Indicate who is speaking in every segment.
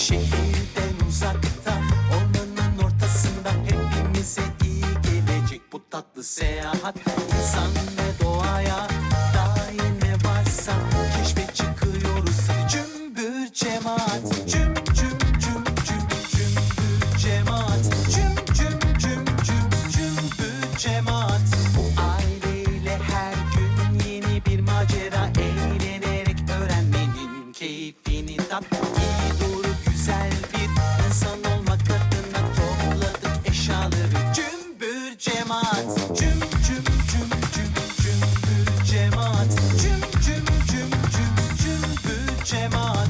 Speaker 1: Şehirden uzakta, ormanın ortasında hepimize iyi gelecek bu tatlı seyahat. İnsan ve doğaya dair ne varsa keşfe çıkıyoruz. Hadi cümbür cemaat, cüm cüm cüm cüm cümbür cemaat, cüm cüm cüm cüm cümbür cemaat. Bu aileyle her gün yeni bir macera, eğlenerek öğrenmenin keyfini tat. İyi doğru güzel bir insan olmak adına topladık eşyaları. Cümbür cemaat, cüm cüm cüm cüm cümbür cemaat, cüm cüm cüm cüm cümbür cemaat.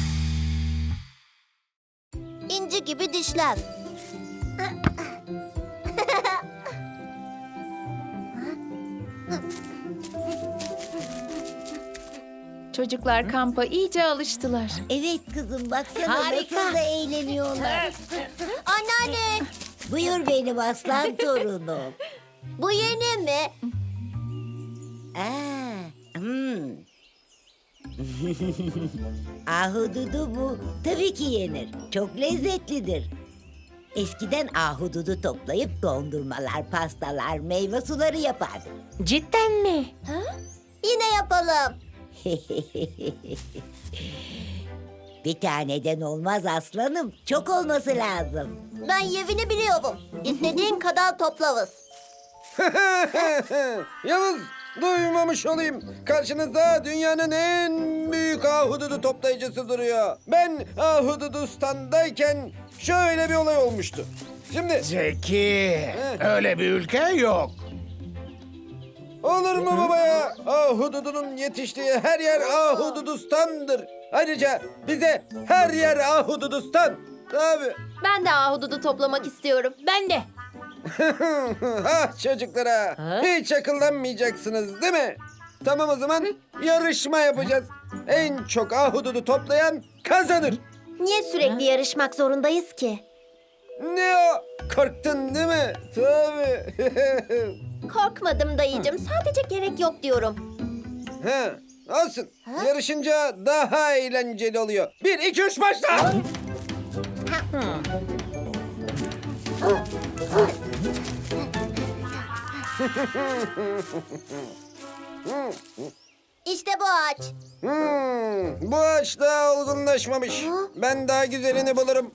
Speaker 2: İnci gibi dişler.
Speaker 3: Çocuklar kampa iyice alıştılar.
Speaker 2: Evet kızım, baksana nasıl da eğleniyorlar. Anneanne. Buyur benim aslan torunum. Bu yeni mi? Ahududu bu. Tabii ki yenir. Çok lezzetlidir. Eskiden ahududu toplayıp dondurmalar, pastalar, meyve suları yapardık.
Speaker 4: Cidden mi?
Speaker 2: Yine yapalım. Bir taneden olmaz aslanım. Çok olması lazım. Ben yevini biliyorum. İstediğin kadar toplarız.
Speaker 5: Yavuz, duymamış olayım. Karşınızda dünyanın en büyük ahududu toplayıcısı duruyor. Ben Ahududistan'dayken şöyle bir olay olmuştu. Şimdi
Speaker 6: Zeki, öyle bir ülke yok.
Speaker 5: olur mu baba ya? Ahududunun yetiştiği her yer Ahududistan'dır. Ayrıca bize her yer Ahududistan. Tabii.
Speaker 4: Ben de ahududu toplamak istiyorum. Ben de.
Speaker 5: Ah çocuklara. Hiç akıllanmayacaksınız değil mi? Tamam o zaman yarışma yapacağız. En çok ahududu toplayan kazanır.
Speaker 2: Niye sürekli yarışmak zorundayız ki?
Speaker 5: Ne o? Korktun değil mi? Tabii.
Speaker 2: Korkmadım dayıcığım. Sadece gerek yok diyorum.
Speaker 5: Ha, olsun. Yarışınca daha eğlenceli oluyor. 1, 2, 3 başla.
Speaker 2: İşte bu ağaç.
Speaker 5: Bu ağaç daha olgunlaşmamış. Ben daha güzelini bulurum.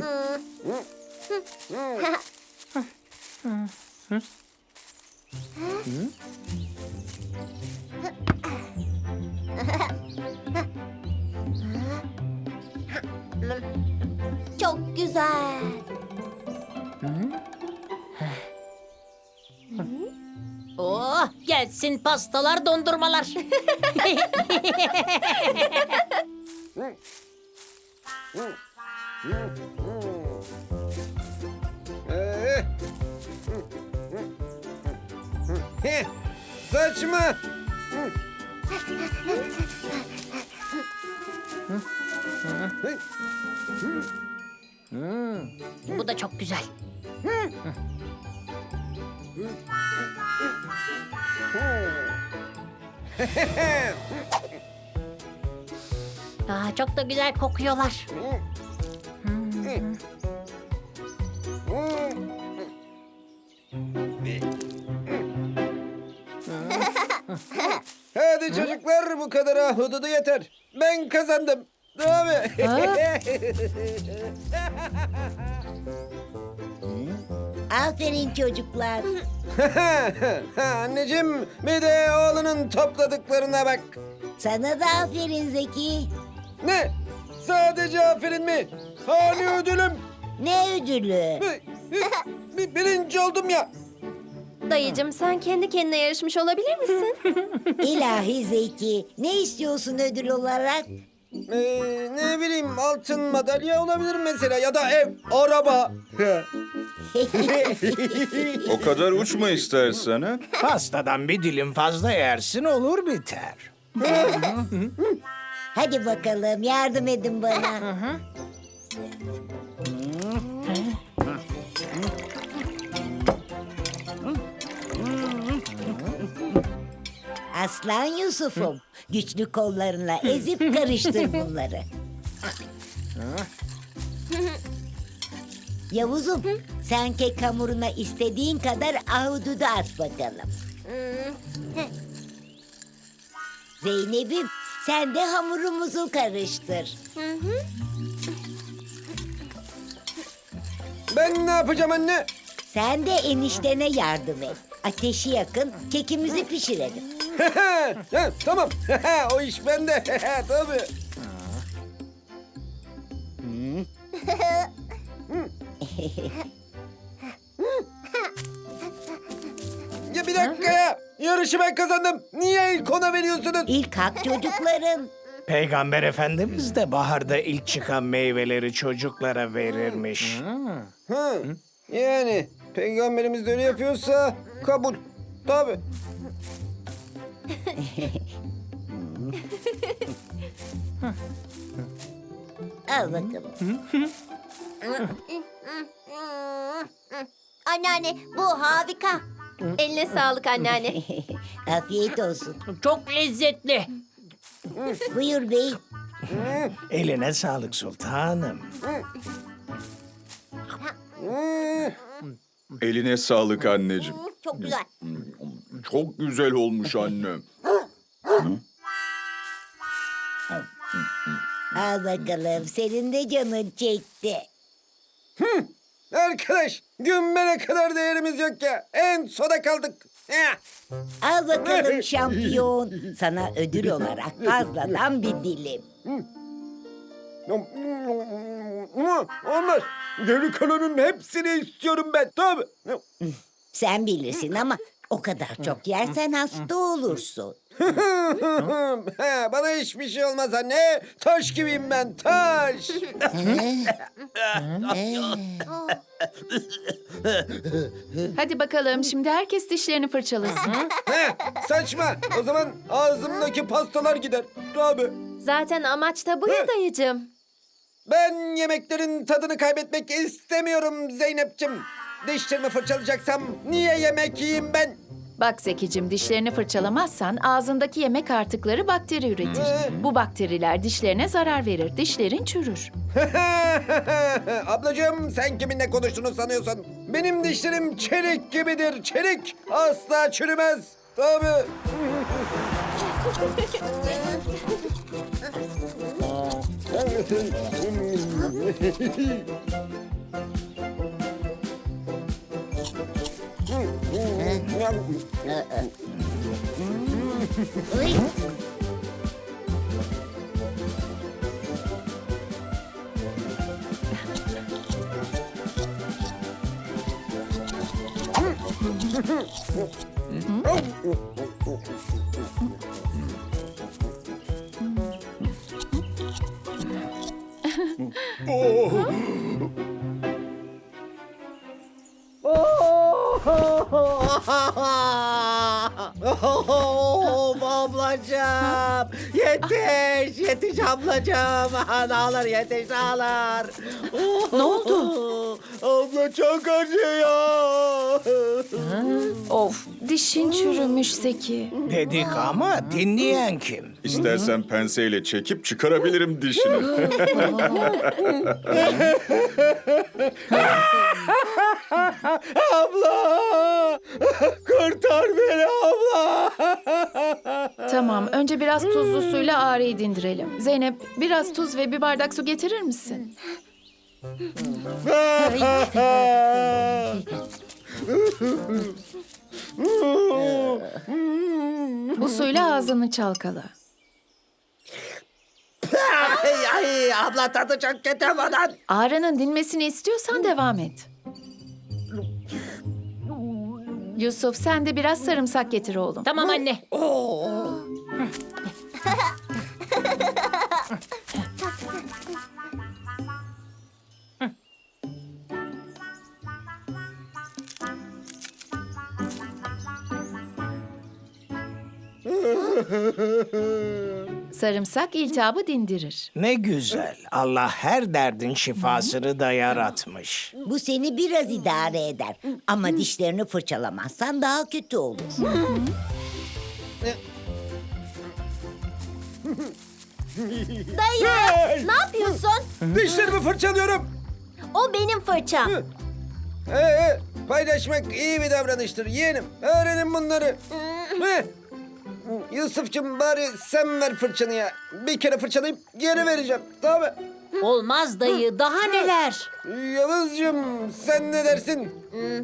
Speaker 2: Çok güzel.
Speaker 4: Oh, gelsin pastalar, dondurmalar.
Speaker 5: Saçma.
Speaker 4: Bu da çok güzel. Çok da güzel kokuyorlar.
Speaker 5: Hadi çocuklar bu kadar ahududu yeter. Ben kazandım. Tabii.
Speaker 2: Aferin çocuklar.
Speaker 5: Anneciğim bir de oğlunun topladıklarına bak.
Speaker 2: Sana da aferin Zeki.
Speaker 5: Ne? Sadece aferin mi? Hani ödülüm?
Speaker 2: Ne ödülü?
Speaker 5: Birinci oldum ya.
Speaker 4: Dayıcığım, sen kendi kendine yarışmış olabilir misin?
Speaker 2: İlahi Zeki. Ne istiyorsun ödül olarak?
Speaker 5: Ne bileyim altın madalya olabilir mesela ya da ev, araba.
Speaker 7: O kadar uçma istersen ha.
Speaker 6: Pastadan bir dilim fazla yersin olur biter.
Speaker 2: Hadi bakalım yardım edin bana. Aslan Yusuf'um. Güçlü kollarınla ezip karıştır bunları. Yavuzum, sen kek hamuruna istediğin kadar ahududu at bakalım. Zeynep'im, sen de hamurumuzu karıştır.
Speaker 5: Ben ne yapacağım anne?
Speaker 2: Sen de eniştene yardım et. Ateşi yakın, kekimizi pişirelim.
Speaker 5: Ha, tamam. O iş bende. Tabii. Ya bir dakika ya. Yarışı ben kazandım. Niye ilk ona veriyorsunuz?
Speaker 2: İlk hak çocukların.
Speaker 6: Peygamber Efendimiz de baharda ilk çıkan meyveleri çocuklara verirmiş.
Speaker 5: Ha, yani peygamberimiz de öyle yapıyorsa kabul. Tabii.
Speaker 2: Al bakalım.
Speaker 4: Anneanne bu harika. Eline sağlık anneanne.
Speaker 2: Afiyet olsun.
Speaker 3: Çok lezzetli.
Speaker 2: Buyur bey.
Speaker 6: Eline sağlık sultanım.
Speaker 7: Eline sağlık anneciğim.
Speaker 4: Çok güzel.
Speaker 7: Çok güzel olmuş annem.
Speaker 2: Al bakalım. Senin de canın çekti.
Speaker 5: Arkadaş, gümbele kadar değerimiz yok ya. En sona kaldık.
Speaker 2: Al bakalım şampiyon. Sana ödül olarak fazladan bir dilim.
Speaker 5: Olmaz. Geri kalanın hepsini istiyorum ben. Tabii.
Speaker 2: Sen bilirsin ama o kadar çok yersen hasta olursun.
Speaker 5: Bana hiçbir şey olmaz anne. Taş gibiyim ben, taş.
Speaker 3: Hadi bakalım şimdi herkes dişlerini fırçalasın.
Speaker 5: Saçma. O zaman ağzımdaki pastalar gider. Tabii.
Speaker 4: Zaten amaç da bu ya dayıcım.
Speaker 5: Ben yemeklerin tadını kaybetmek istemiyorum Zeynep'ciğim. Dişlerimi fırçalayacaksam niye yemek yiyeyim ben?
Speaker 3: Bak Zekicim, dişlerini fırçalamazsan ağzındaki yemek artıkları bakteri üretir. Bu bakteriler dişlerine zarar verir. Dişlerin çürür.
Speaker 5: Ablacığım sen kiminle konuştuğunu sanıyorsun? Benim dişlerim çelik gibidir, çelik. Asla çürümez. Tabii.
Speaker 2: Uy.
Speaker 8: Ablacığım yetiş ablacığım ağlar yetiş ağlar.
Speaker 3: Ne oldu?
Speaker 8: Abla çok acıyor.
Speaker 3: Of, dişin çürümüş Zeki.
Speaker 6: Dedik ama dinleyen kim?
Speaker 7: İstersen penseyle çekip çıkarabilirim dişini.
Speaker 8: Abla kurtar beni abla.
Speaker 3: Tamam, önce biraz tuzlu suyla ağrıyı dindirelim. Zeynep, biraz tuz ve bir bardak su getirir misin? Bu suyla ağzını çalkala.
Speaker 8: Ay abla tadı çok kötü bunun.
Speaker 3: Ağrının dinmesini istiyorsan devam et. Yusuf, sen de biraz sarımsak getir oğlum. Tamam anne. Sarımsak iltihabı dindirir.
Speaker 6: Ne güzel. Allah her derdin şifasını da yaratmış.
Speaker 2: Bu seni biraz idare eder. Ama dişlerini fırçalamazsan daha kötü olur.
Speaker 4: Dayı ne yapıyorsun?
Speaker 5: Dişlerimi fırçalıyorum.
Speaker 4: O benim fırçam.
Speaker 5: Paylaşmak iyi bir davranıştır yeğenim. Öğrenin bunları. Yusuf'cum bari sen ver fırçanı ya. Bir kere fırçalayıp geri vereceğim. Tamam mı?
Speaker 9: Olmaz dayı, daha neler?
Speaker 5: Yavuz'cum sen ne dersin?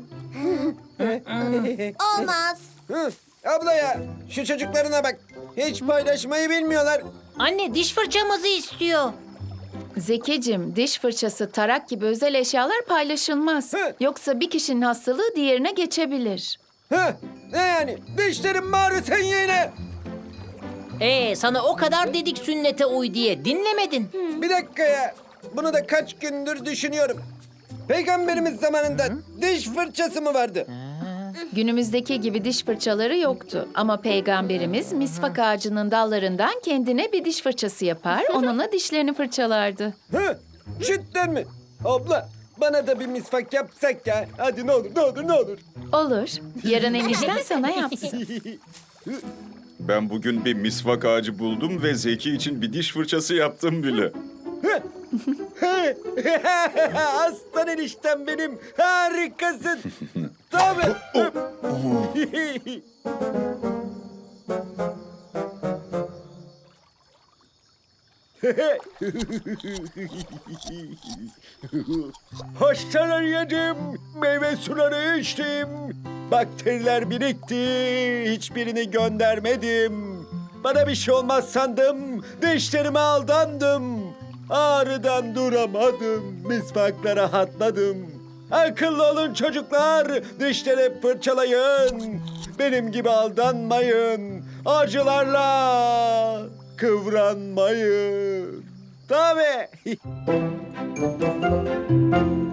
Speaker 4: Olmaz.
Speaker 5: Hı? Abla ya şu çocuklarına bak. Hiç paylaşmayı bilmiyorlar.
Speaker 9: Anne diş fırçamızı istiyor.
Speaker 3: Zekicim, diş fırçası, tarak gibi özel eşyalar paylaşılmaz.
Speaker 5: Hı.
Speaker 3: Yoksa bir kişinin hastalığı diğerine geçebilir.
Speaker 5: Ne yani? Dişlerim bağırıyor sen yeğene.
Speaker 9: Sana o kadar dedik sünnete uy diye, dinlemedin.
Speaker 5: Bir dakika ya. Bunu da kaç gündür düşünüyorum. Peygamberimiz zamanında diş fırçası mı vardı?
Speaker 3: Günümüzdeki gibi diş fırçaları yoktu. Ama peygamberimiz misvak ağacının dallarından kendine bir diş fırçası yapar, onunla dişlerini fırçalardı.
Speaker 5: Cidden mi? Abla bana da bir misvak yapsak ya. Hadi ne olur ne olur ne olur.
Speaker 3: Olur. Yarın enişten sana yapsın.
Speaker 7: Ben bugün bir misvak ağacı buldum ve Zeki için bir diş fırçası yaptım bile.
Speaker 5: Aslan eniştem benim. Harikasın. Tabii. Hastalar yedim, meyve suları içtim. Bakteriler birikti, hiçbirini göndermedim. Bana bir şey olmaz sandım, dişlerime aldandım. Ağrıdan duramadım, misvakla rahatladım. Akıllı olun çocuklar, dişleri fırçalayın. Benim gibi aldanmayın, acılarla kıvranmayın. Tabii.